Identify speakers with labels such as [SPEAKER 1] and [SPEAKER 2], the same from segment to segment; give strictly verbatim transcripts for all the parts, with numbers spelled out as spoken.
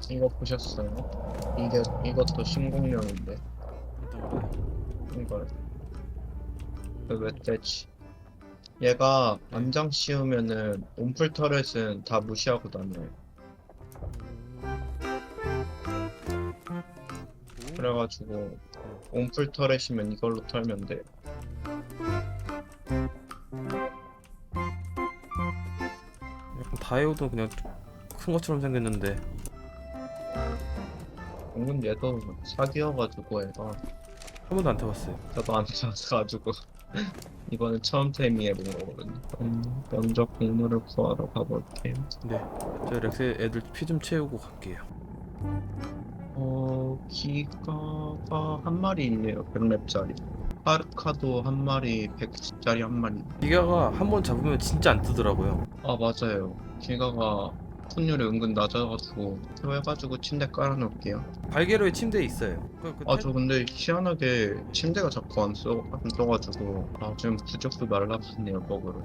[SPEAKER 1] 이거 보셨어요? 이게 이것도 신공룡인데 이걸 그 멧돼지. 얘가
[SPEAKER 2] 네.
[SPEAKER 1] 안장 씌우면은 온풀 터렛은 다 무시하고 다녀요. 그래가지고 온풀 터렛이면 이걸로 털면 돼.
[SPEAKER 2] 약간 다이오도 그냥 큰 것처럼 생겼는데.
[SPEAKER 1] 은근 얘도 사기여가지고 얘가
[SPEAKER 2] 한 번도 안 타봤어요.
[SPEAKER 1] 저도 안 찾아가지고 이번에 처음 태미해본 거거든요. 음, 먼저 공물을 구하러 가볼게요.
[SPEAKER 2] 네, 저 렉스 애들 피 좀 채우고 갈게요.
[SPEAKER 1] 어, 기가가 한 마리 있네요. 백 렙짜리. 파르카도 한 마리, 백 렙짜리 한 마리.
[SPEAKER 2] 기가가 한 번 잡으면 진짜 안 뜨더라고요.
[SPEAKER 1] 아, 맞아요. 기가가 확률이 은근 낮아가지고 이거 해가지고 침대 깔아놓을게요.
[SPEAKER 2] 발게로에 침대에 있어요. 그, 그
[SPEAKER 1] 아,
[SPEAKER 2] 텔...
[SPEAKER 1] 저 근데 희한하게 침대가 자꾸 안 써, 안 떠가지고 아, 지금 부적도 날라갔네요, 버그로.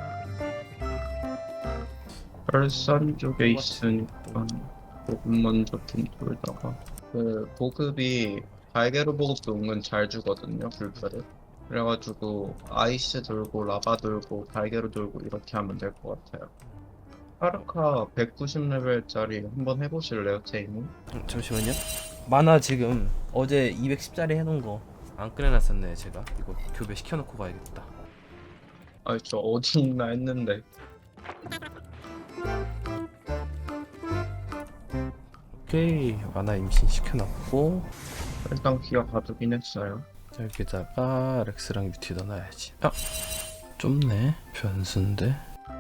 [SPEAKER 1] 발산 쪽에 있으니까 보급 먼저 좀 돌다가 그 보급이 발게로 보급도 은근 잘 주거든요, 불패를. 그래가지고 아이스 돌고 라바 돌고 발게로 돌고 이렇게 하면 될 것 같아요. 파르카 백구십 레벨짜리 한번 해보실래요, 제이님?
[SPEAKER 2] 음, 잠시만요. 만화 지금 어제 이백십짜리 해놓은 거 안 꺼내놨었네. 제가 이거 교배 시켜놓고 가야겠다.
[SPEAKER 1] 아니 저 어디 있나 했는데.
[SPEAKER 2] 오케이, 만화 임신 시켜놨고.
[SPEAKER 1] 일단 기가 가두긴 했어요.
[SPEAKER 2] 자, 여기다가 렉스랑 뮤티 넣어놔야지. 아, 좁네. 변수인데.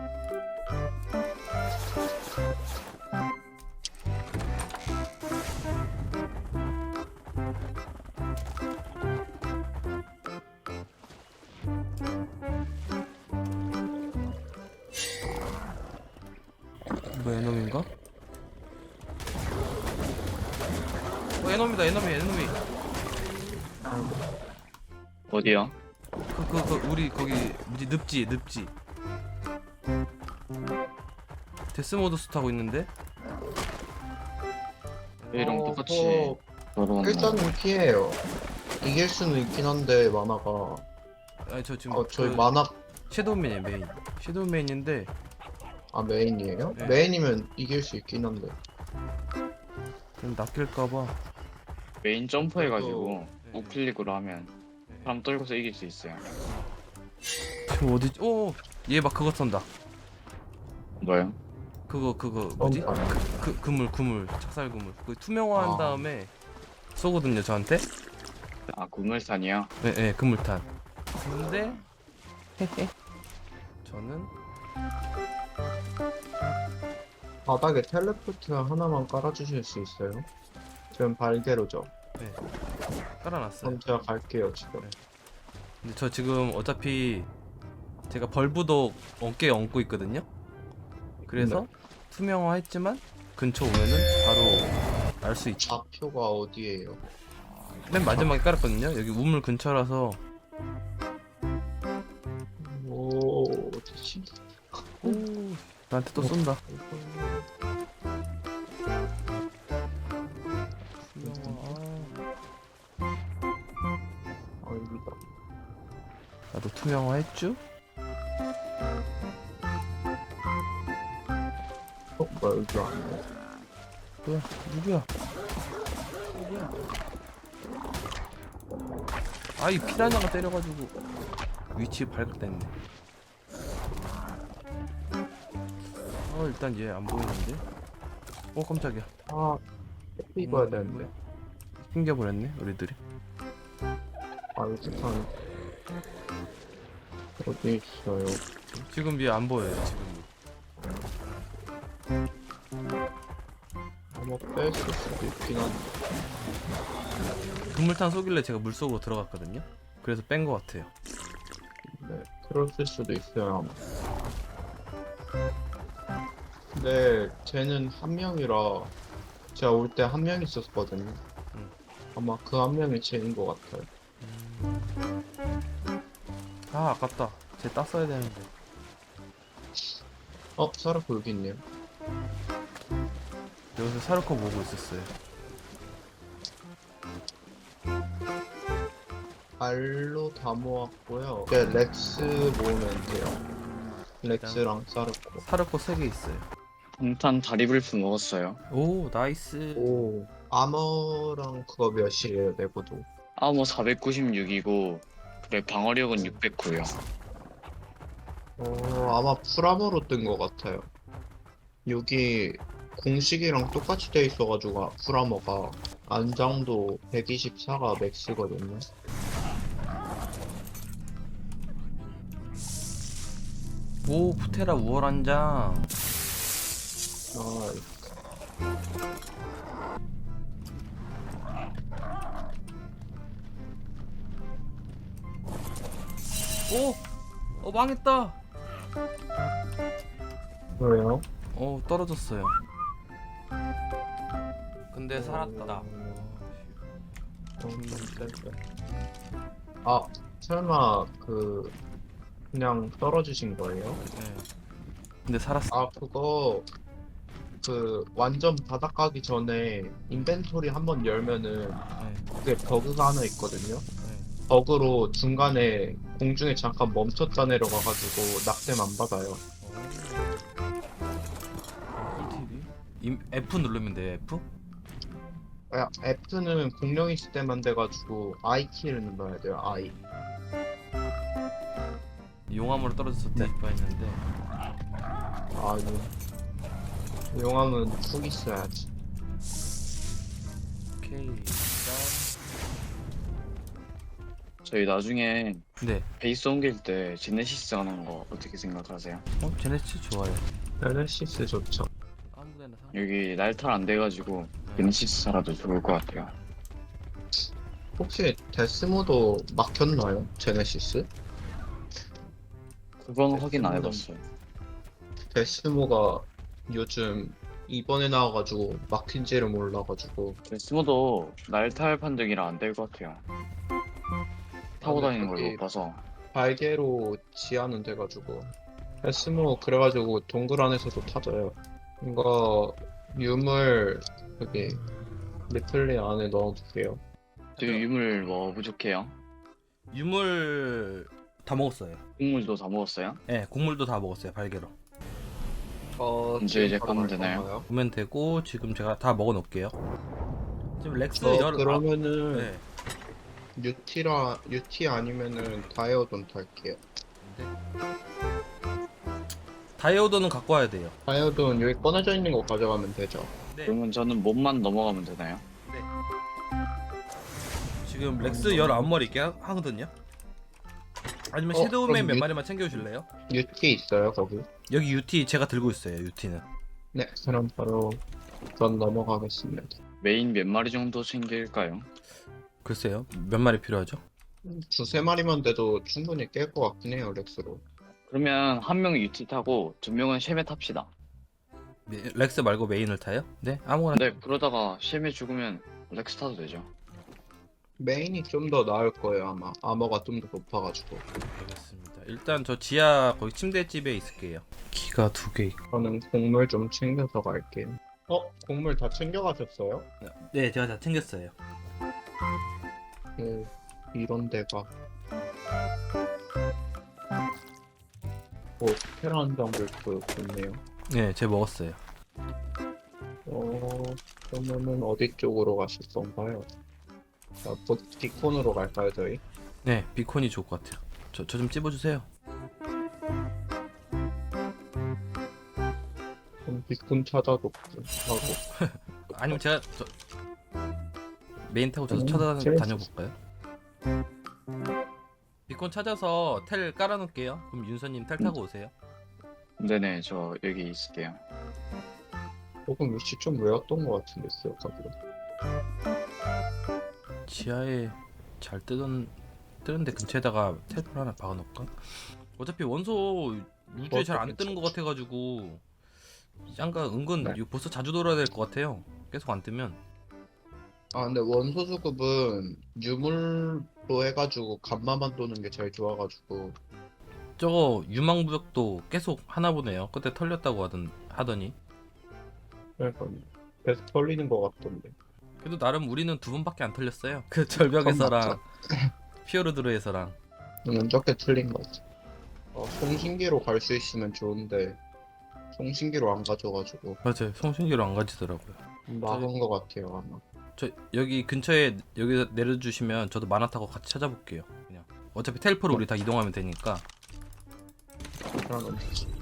[SPEAKER 2] 뭐 에너미인가? 어, 에너미다. 에너미 에너미.
[SPEAKER 1] 어디요?
[SPEAKER 2] 그 그 그 우리 거기 뭐지, 늪지 늪지. 데스모드스 타고 있는데.
[SPEAKER 3] 얘랑
[SPEAKER 1] 어,
[SPEAKER 3] 똑같이 저런
[SPEAKER 1] 일단은 피해요. 이길 수는 있긴 한데 만화가.
[SPEAKER 2] 아니 저 지금
[SPEAKER 1] 어 저희
[SPEAKER 2] 그
[SPEAKER 1] 만화
[SPEAKER 2] 섀도우맨이에요. 메인 섀도우맨인데.
[SPEAKER 1] 아 메인이에요?
[SPEAKER 2] 네.
[SPEAKER 1] 메인이면 이길 수 있긴 한데.
[SPEAKER 2] 좀 낚일까봐.
[SPEAKER 3] 메인 점프해가지고
[SPEAKER 2] 네.
[SPEAKER 3] 우클릭으로 하면 사람 떨고서 이길 수 있어요.
[SPEAKER 2] 지금 어디? 오, 얘 막 그거 쏜다.
[SPEAKER 3] 뭐요?
[SPEAKER 2] 그거 그거 뭐지?
[SPEAKER 1] 어,
[SPEAKER 2] 그 그물 그물 착살 그물. 그 투명화한
[SPEAKER 1] 아.
[SPEAKER 2] 다음에 쏘거든요 저한테.
[SPEAKER 3] 아 구물산이요?
[SPEAKER 2] 네, 네 그물탄. 근데 저는
[SPEAKER 1] 바닥에 텔레포트 하나만 깔아주실 수 있어요? 지금 발개로죠?
[SPEAKER 2] 네 깔아놨어요.
[SPEAKER 1] 그럼 제가 갈게요 지금.
[SPEAKER 2] 네. 근데 저 지금 어차피 제가 벌브도 어깨에 얹고 있거든요. 그래서
[SPEAKER 1] 네.
[SPEAKER 2] 투명화했지만 근처 오면은 바로 날 수 있죠.
[SPEAKER 1] 좌표가 어디에요?
[SPEAKER 2] 맨 마지막에 깔았거든요. 여기 우물 근처라서.
[SPEAKER 1] 오, 대신.
[SPEAKER 2] 오, 나한테 또 쏜다. 투명화.
[SPEAKER 1] 아, 여기다.
[SPEAKER 2] 나도 투명화 했쥬?
[SPEAKER 1] 어, 뭐야, 여기 아니야?
[SPEAKER 2] 뭐야, 누구야? 누구야? 아, 이 피라냐가 때려가지고 위치 발각됐네. 어, 일단 얘 안 보이는데? 어, 깜짝이야.
[SPEAKER 1] 아, 해피 입어야 되는데.
[SPEAKER 2] 튕겨버렸네, 우리들이.
[SPEAKER 1] 아, 여기 산 어디 있어요?
[SPEAKER 2] 지금 얘 안 보여요, 지금.
[SPEAKER 1] 아마 뺐을 수도 있긴 한데.
[SPEAKER 2] 그물탄 쏘길래 제가 물속으로 들어갔거든요? 그래서 뺀 것 같아요.
[SPEAKER 1] 네, 그랬을 수도 있어요, 아마. 근데 쟤는 한 명이라 제가 올 때 한 명 있었거든요.
[SPEAKER 2] 음.
[SPEAKER 1] 아마 그 한 명이 쟤인 것 같아요.
[SPEAKER 2] 아, 아깝다. 쟤 땄어야 되는데.
[SPEAKER 1] 어, 사라코 여기 있네요.
[SPEAKER 2] 여기서 사르코 보고 있었어요.
[SPEAKER 1] 알로 다 모았고요. 이제 렉스 모으면 돼요. 렉스랑 사르코.
[SPEAKER 2] 사르코 세 개 있어요.
[SPEAKER 3] 방탄 다리블프 먹었어요.
[SPEAKER 2] 오 나이스.
[SPEAKER 1] 오, 아머랑 그거 몇이에요, 내고도?
[SPEAKER 3] 아머 사백구십육이고 그래 방어력은 육백구요.
[SPEAKER 1] 어, 아마 풀아머로 뜬 것 같아요. 여기 공식이랑 똑같이 돼 있어가지고 풀아머가 안장도 백이십사가 맥스거든요.
[SPEAKER 2] 오 푸테라 우월한 장.
[SPEAKER 1] 아,
[SPEAKER 2] 오! 어 망했다.
[SPEAKER 1] 왜요?
[SPEAKER 2] 어 떨어졌어요. 근데 살았다.
[SPEAKER 1] 아, 설마 그 그냥 떨어지신 거예요?
[SPEAKER 2] 네. 근데 살았어.
[SPEAKER 1] 아, 그거 그 완전 바닥 가기 전에 인벤토리 한번 열면은
[SPEAKER 2] 네.
[SPEAKER 1] 그게 버그가 하나 있거든요.
[SPEAKER 2] 네.
[SPEAKER 1] 버그로 중간에 공중에 잠깐 멈췄다 내려가가지고 낙뎀 안 받아요.
[SPEAKER 2] 어, 꿀팁이? 임- F 누르면 돼요. F?
[SPEAKER 1] 아, F는 공룡 있을 때만 돼가지고 I 키를 눌러야 돼요. I.
[SPEAKER 2] 용암으로 떨어져서
[SPEAKER 1] 네.
[SPEAKER 2] 뒤집어 했는데
[SPEAKER 1] 아, 예. 용암은 푹 있어야지.
[SPEAKER 2] 오케이.
[SPEAKER 3] 저희 나중에
[SPEAKER 2] 네.
[SPEAKER 3] 베이스 옮길 때 제네시스 하는 거 어떻게 생각하세요?
[SPEAKER 2] 어 제네시스 좋아요.
[SPEAKER 1] 렐레시스 좋죠.
[SPEAKER 2] 아무데나 상.
[SPEAKER 3] 여기 날탈 안 돼가지고 제네시스 살아도 좋을 것 같아요.
[SPEAKER 1] 혹시 데스모도 막혔나요? 제네시스?
[SPEAKER 3] 그건 확인 안 해봤어요.
[SPEAKER 1] 데스모가 요즘 이번에 나와가지고 막힌지를 몰라가지고
[SPEAKER 3] 데스모도 날탈 판정이라 안 될 것 같아요. 타고 다니는 걸 못 봐서.
[SPEAKER 1] 발개로 지하는 돼가지고 데스모 그래가지고 동굴 안에서도 타져요. 이거 유물 여기 리플리 안에 넣어둘게요.
[SPEAKER 3] 저 유물 뭐 부족해요?
[SPEAKER 2] 유물 다 먹었어요.
[SPEAKER 3] 국물도 다 먹었어요?
[SPEAKER 2] 네, 곡물도 다 먹었어요. 발개로.
[SPEAKER 1] 어,
[SPEAKER 3] 이제 이제
[SPEAKER 1] 바로
[SPEAKER 3] 가면
[SPEAKER 1] 갈
[SPEAKER 3] 되나요?
[SPEAKER 1] 건가요?
[SPEAKER 2] 보면 되고 지금 제가 다 먹어 놓을게요. 지금 렉스
[SPEAKER 1] 어,
[SPEAKER 2] 열
[SPEAKER 1] 그러면은
[SPEAKER 2] 아, 네.
[SPEAKER 1] 유티라 유티 아니면은 다이어돈 탈게요.
[SPEAKER 2] 다이오도는 갖고 와야 돼요.
[SPEAKER 1] 다이어돈 여기 꺼내져 있는 거 가져가면 되죠.
[SPEAKER 2] 네.
[SPEAKER 3] 그러면 저는 몸만 넘어가면 되나요?
[SPEAKER 2] 지금 렉스 열아홉 마리 있게 하- 하거든요. 아니면
[SPEAKER 1] 어,
[SPEAKER 2] 섀도우맨
[SPEAKER 1] 그럼
[SPEAKER 2] 몇
[SPEAKER 1] 유-
[SPEAKER 2] 마리만 챙겨 주실래요?
[SPEAKER 1] 유티 있어요 거기?
[SPEAKER 2] 여기 유티 제가 들고 있어요. 유티는.
[SPEAKER 1] 네, 그럼 바로 전 넘어가겠습니다.
[SPEAKER 3] 메인 몇 마리 정도 챙길까요?
[SPEAKER 2] 글쎄요. 몇 마리 필요하죠?
[SPEAKER 1] 두세 마리만 돼도 충분히 깰 것 같긴 해요, 렉스로.
[SPEAKER 3] 그러면 한 명은 유티 타고 두 명은 쉐메 탑시다.
[SPEAKER 2] 네, 렉스 말고 메인을 타요? 네, 아무거나.
[SPEAKER 3] 근데 그러다가 쉐메 죽으면 렉스 타도 되죠.
[SPEAKER 1] 메인이 좀 더 나을 거예요, 아마. 아머가 좀 더 높아가지고.
[SPEAKER 2] 알겠습니다. 일단 저 지하 거기 침대집에 있을게요. 기가 두 개 있고.
[SPEAKER 1] 저는 곡물 좀 챙겨서 갈게요. 어? 곡물 다 챙겨가셨어요?
[SPEAKER 2] 네, 제가 다 챙겼어요.
[SPEAKER 1] 그, 이런 데가. 오, 테란 정글도 좋네요.
[SPEAKER 2] 네, 제가 먹었어요.
[SPEAKER 1] 어, 그러면은 어디 쪽으로 가실 건가요? 아, 보- 디콘으로 갈까요, 저희?
[SPEAKER 2] 네, 비콘이 좋을 것 같아요. 저 저 좀 찝어주세요.
[SPEAKER 1] 그럼 디콘 찾아놓고 하고.
[SPEAKER 2] 아니면 제가 저 메인 타고 저도
[SPEAKER 1] 음,
[SPEAKER 2] 찾아
[SPEAKER 1] 재밌었어.
[SPEAKER 2] 다녀볼까요? 비콘 찾아서 텔 깔아놓을게요. 그럼 윤서님 텔 타고 오세요.
[SPEAKER 3] 네네, 저 여기 있을게요.
[SPEAKER 1] 조금 위치 좀 외웠던 것 같은데, 기억하기로.
[SPEAKER 2] 지하에 잘 뜨던 뜨는데 근처에다가 텔포를 하나 박아놓을까? 어차피 원소 우주에 잘 안 뜨는 것 같아가지고 짱가 은근
[SPEAKER 1] 네.
[SPEAKER 2] 이거 벌써 자주 돌아야 될 것 같아요. 계속 안 뜨면.
[SPEAKER 1] 아, 근데 원소 수급은 유물로 해가지고 간마만 도는 게 제일 좋아가지고.
[SPEAKER 2] 저거 유망부역도 계속 하나 보네요. 그때 털렸다고 하던 하더니.
[SPEAKER 1] 그러니까 계속 털리는 것 같던데.
[SPEAKER 2] 그래도 나름 우리는 두 번밖에 안 털렸어요. 그 절벽에서랑 피오르드르에서랑.
[SPEAKER 1] 저는 적게 틀린 거지. 어, 송신기로 갈 수 있으면 좋은데 송신기로 안 가져가지고
[SPEAKER 2] 맞아요. 송신기로 안 가지더라고요.
[SPEAKER 1] 막은 것 같아요 아마.
[SPEAKER 2] 저 여기 근처에 여기 내려주시면 저도 만화 타고 같이 찾아볼게요. 그냥 어차피 텔포로 우리 다 이동하면 되니까.
[SPEAKER 1] 그러면 되지.